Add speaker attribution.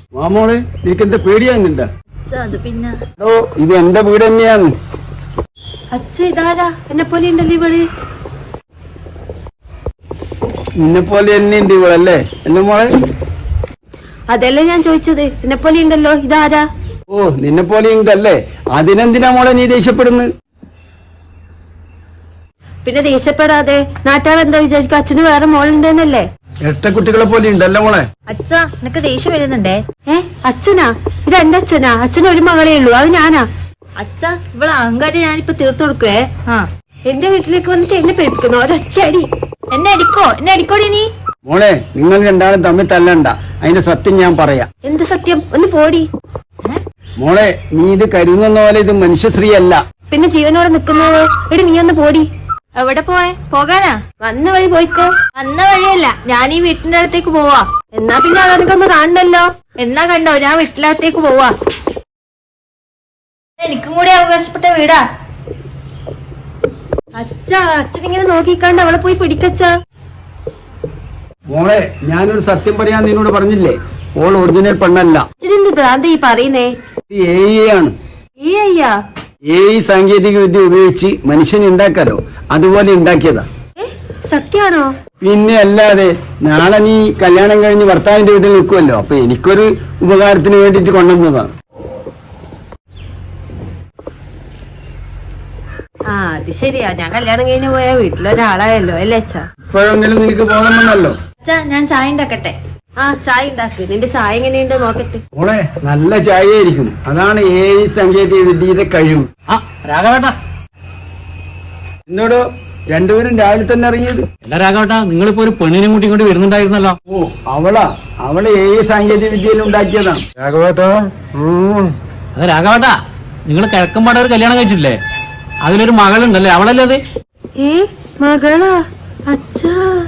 Speaker 1: മാമോള് നിനക്കെന്താ പേടിയാകുന്നുണ്ടാ?
Speaker 2: അത് പിന്നെ
Speaker 1: ഓ ഇത് എന്റെ വീട് തന്നെയാന്ന്.
Speaker 2: അച്ഛ ഇതാരാ? എന്നെ പോലെ ഉണ്ടല്ലോ ഇവള്.
Speaker 1: നിന്നെ പോലെ തന്നെ ഉണ്ട് ഇവളല്ലേ എന്റെ മോളെ?
Speaker 2: അതല്ലേ ഞാൻ ചോദിച്ചത്, എന്നെ പോലെ ഉണ്ടല്ലോ ഇതാരാ?
Speaker 1: ഓ നിന്നെ പോലെ ഉണ്ടല്ലേ, അതിനെന്തിനാ മോളെ നീ ദേഷ്യപ്പെടുന്നത്?
Speaker 2: പിന്നെ ദേഷ്യപ്പെടാതെ നാട്ടുകാരെന്താ വിചാരിക്കും? അച്ഛന് വേറെ മോളുണ്ടെന്നല്ലേ?
Speaker 1: എട്ട കുട്ടികളെ പോലെ ഉണ്ടല്ലോ മോളെ.
Speaker 2: അച്ഛ നിനക്ക് ദേഷ്യം വരുന്നുണ്ടേ? അച്ഛനാ? ഇത് എന്റെ അച്ഛനാ. അച്ഛന് ഒരു മകളേ ഉള്ളൂ, അത് ഞാനാ. അച്ഛ ഇവളെ അഹങ്കാരം ഞാനിപ്പോ തീർത്തു കൊടുക്കുവേ. എന്റെ വീട്ടിലേക്ക് വന്നിട്ട് എന്നെ പേടിപ്പിക്കുന്നു ഒരൊറ്റ അടി. എന്നെ അടിക്കോടി നീ.
Speaker 1: മോളെ നിങ്ങൾ രണ്ടാളും തമ്മിൽ തല്ലണ്ട, അതിന്റെ സത്യം ഞാൻ പറയാം.
Speaker 2: എന്ത് സത്യം? ഒന്ന് പോടി.
Speaker 1: മോളെ നീ ഇത് കരുതുന്ന പോലെ ഇത് മനുഷ്യശ്രീ അല്ല.
Speaker 2: പിന്നെ ജീവനോടെ നിക്കുന്നത് എടി, നീ ഒന്ന് പോടി. എവിടെ പോകാനാ? വന്ന വഴി പോയിക്കോ. വന്ന വഴിയല്ല, ഞാൻ ഈ വീട്ടിന്റെ അകത്തേക്ക് പോവാ. എന്നാ പിന്നെ അതെനിക്കൊന്ന് കാണണല്ലോ. എന്നാ കണ്ടോ, ഞാൻ വീട്ടിനകത്തേക്ക് പോവാ. എനിക്കും കൂടി അവകാശപ്പെട്ട വീടാ. അച്ഛനിങ്ങനെ നോക്കിക്കാണ്ട് അവളെ പോയി പിടിക്കച്ച.
Speaker 1: മോളെ ഞാനൊരു സത്യം പറയാൻ നിന്നോട് പറഞ്ഞില്ലേ, ഓൾ ഒറിജിനൽ പെണ്ണല്ല.
Speaker 2: അച്ഛനെന്ത് ഭ്രാന്ത് ഈ പറയുന്നേ?
Speaker 1: ആണ് സാങ്കേതിക വിദ്യ ഉപയോഗിച്ച് മനുഷ്യനെ ഉണ്ടാക്കാലോ, അതുപോലെ ഉണ്ടാക്കിയതാ.
Speaker 2: സത്യാണോ?
Speaker 1: പിന്നെ അല്ലാതെ. നാളെ നീ കല്യാണം കഴിഞ്ഞ് ഭർത്താവിന്റെ വീട്ടിൽ നിൽക്കുമല്ലോ, അപ്പൊ എനിക്കൊരു ഉപകാരത്തിന് വേണ്ടിട്ട് കൊണ്ടുവന്നതാണ്.
Speaker 2: അത് ശരിയാ, ഞാൻ കല്യാണം കഴിഞ്ഞ് പോയ വീട്ടിലൊരാളായല്ലോ അല്ലേ അച്ഛാ?
Speaker 1: ഇപ്പോഴെങ്കിലും നിനക്ക് ബോധമെന്നല്ലോ.
Speaker 2: അച്ഛാ ഞാൻ ചായ ഉണ്ടാക്കട്ടെ? ചായ ഉണ്ടാക്ക്. നിന്റെ ചായ എങ്ങനെയുണ്ട് നോക്കട്ടെ.
Speaker 1: മോളെ നല്ല ചായയായിരിക്കും, അതാണ് സാങ്കേതിക വിദ്യയുടെ കഴിവ്.
Speaker 3: രാഘവേട്ടാ,
Speaker 1: എന്നോടോ രണ്ടുപേരും രാവിലെ തന്നെ ഇറങ്ങിയത്?
Speaker 3: അല്ല രാഘവേട്ടാ, നിങ്ങളിപ്പോ ഒരു പെണ്ണിനെ കൂട്ടി കൊണ്ട് വരുന്നുണ്ടായിരുന്നല്ലോ.
Speaker 1: ഓ അവള് സാങ്കേതിക വിദ്യയിൽ ഉണ്ടാക്കിയതാണ് രാഘവേട്ടാ.
Speaker 3: അത് രാഘവേട്ടാ, നിങ്ങൾ കിഴക്കമ്പാട് ഒരു കല്യാണം കഴിച്ചില്ലേ, അതിലൊരു മകളുണ്ടല്ലേ, അവളല്ലേ അത്?
Speaker 2: മകളാ? അച്ഛാ